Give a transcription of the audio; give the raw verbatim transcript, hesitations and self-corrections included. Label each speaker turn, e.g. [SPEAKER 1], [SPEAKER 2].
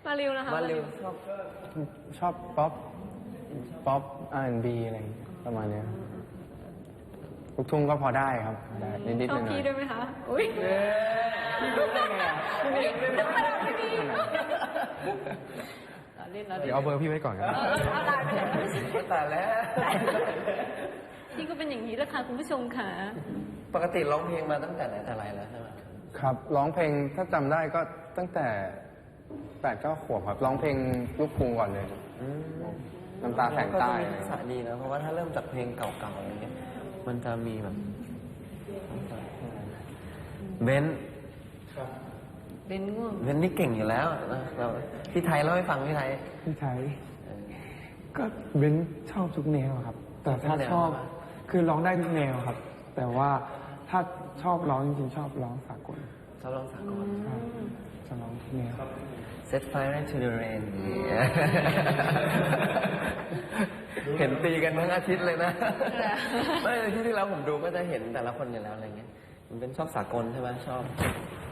[SPEAKER 1] มาริวนะคะ
[SPEAKER 2] มาริวชอบ
[SPEAKER 3] ชอบป๊อปป๊อปอาร์แอนด์บีอะไรประมาณนี้ลูกทุ่งก็พอได้ครับได้นิดๆห
[SPEAKER 1] ชอ
[SPEAKER 3] น่
[SPEAKER 1] บ
[SPEAKER 3] อย
[SPEAKER 1] พี่ด้วยไหมคะอุ้ย
[SPEAKER 3] พี่รู้ได้ไงอ่ะ
[SPEAKER 1] ธรรมดาไม่มีเล่นแล้ว
[SPEAKER 3] เดี๋ยวเอาเบอร์พี่ไว้ก่อนครับ
[SPEAKER 1] เอาไลน์ไปเลย
[SPEAKER 2] แต่แล้ว
[SPEAKER 1] พี่ก็เป็นอย่างนี้แหละค่ะคุณผู้ชมค่ะ
[SPEAKER 2] ปกติร้องเพลงมาตั้งแต่ไหนแต่ไรแล้วใช่ไหม
[SPEAKER 3] ครับร้องเพลงถ้าจำได้ก็ตั้งแต่แปดเก้าขวบครับร้องเพลงลูกกรุงก่อนเลย
[SPEAKER 2] อืม
[SPEAKER 3] น้ำตาแสงใต้
[SPEAKER 2] ก็จะมีทักษะดีนะเพราะว่าถ้าเริ่มจากเพลงเก่าๆอะไรเงี้ยมันจะมีแบบเบนซ์
[SPEAKER 1] เป็นง่วง
[SPEAKER 2] เบนซ์นี่เก่งอยู่แล้วนะเราพี่ไทยเล่าให้ฟังพี่ไทย
[SPEAKER 4] พี่ไทยก็เบ้นชอบทุกแนวครับ แต่ถ้า
[SPEAKER 2] ทุกแนว
[SPEAKER 4] ชอบ
[SPEAKER 2] ครับ
[SPEAKER 4] คือร้องได้ทุกแนวครับ แต่ว่าถ้าชอบร้องจริงๆชอบร้องสากล
[SPEAKER 2] ชอบร้องสากล
[SPEAKER 4] ครับจะร้องทุกแนว
[SPEAKER 2] Set Fire to the Rain เห็นตีกันทั้งอาทิตย์เลยนะไม่ที่ที่แล้วผมดูก็จะเห็นแต่ละคนอยู่แล้วอะไรเงี้ยมันเป็นชอบสากลใช่ไหมชอบ